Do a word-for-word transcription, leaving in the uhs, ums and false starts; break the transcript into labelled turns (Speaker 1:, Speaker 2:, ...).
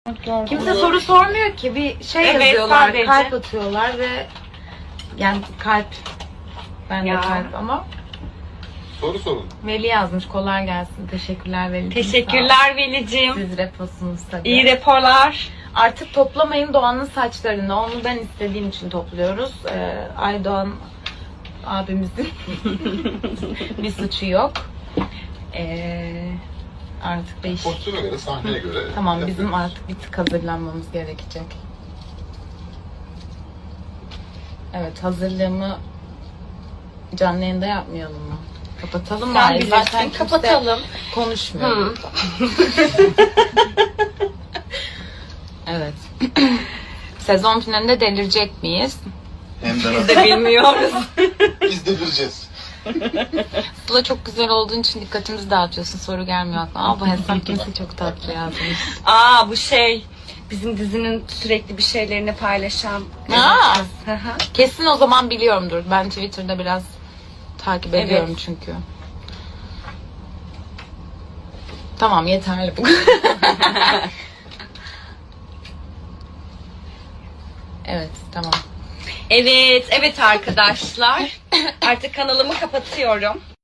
Speaker 1: Kimse soru sormuyor ki. Bir şey
Speaker 2: Evet,
Speaker 1: yazıyorlar,
Speaker 2: sadece.
Speaker 1: kalp atıyorlar ve yani kalp. Ben de
Speaker 2: Ya.
Speaker 1: kalp ama
Speaker 3: Soru sorun.
Speaker 1: Veli yazmış. Kolay gelsin. Teşekkürler Veli.
Speaker 2: Teşekkürler Velicim.
Speaker 1: Siz reposunuz tabii.
Speaker 2: İyi raporlar.
Speaker 1: Artık toplamayın Doğan'ın saçlarını. Onu ben istediğim için topluyoruz. Ee, Aydoğan abimizin bir suçu yok. Ee, artık değiş.
Speaker 3: Pozisyona göre, sahneye göre.
Speaker 1: Tamam, bizim
Speaker 3: yapıyoruz.
Speaker 1: artık bir tık hazırlanmamız gerekecek. Evet, hazırlığımı canlı yayında yapmayalım mı? Kapatalım
Speaker 2: Sen
Speaker 1: bari.
Speaker 2: bilirsin,
Speaker 1: Zaten kimse
Speaker 2: kapatalım.
Speaker 1: konuşmuyor.
Speaker 2: Hı.
Speaker 1: Evet. Sezon finalinde delirecek miyiz?
Speaker 3: Hem de
Speaker 2: Biz de bilmiyoruz.
Speaker 3: biz delireceğiz.
Speaker 1: Sıla çok güzel olduğun için dikkatimizi dağıtıyorsun. Soru gelmiyor aklıma. Aa, bu hesap kimse çok tatlı yazmış.
Speaker 2: Aa bu şey bizim dizinin sürekli bir şeylerini paylaşan.
Speaker 1: Aa.
Speaker 2: kız. Hı hı.
Speaker 1: Kesin o zaman biliyorumdur. Ben Twitter'da biraz takip
Speaker 2: Evet.
Speaker 1: ediyorum çünkü. Tamam, yeterli bu. Evet, tamam.
Speaker 2: Evet, evet arkadaşlar. Artık kanalımı kapatıyorum.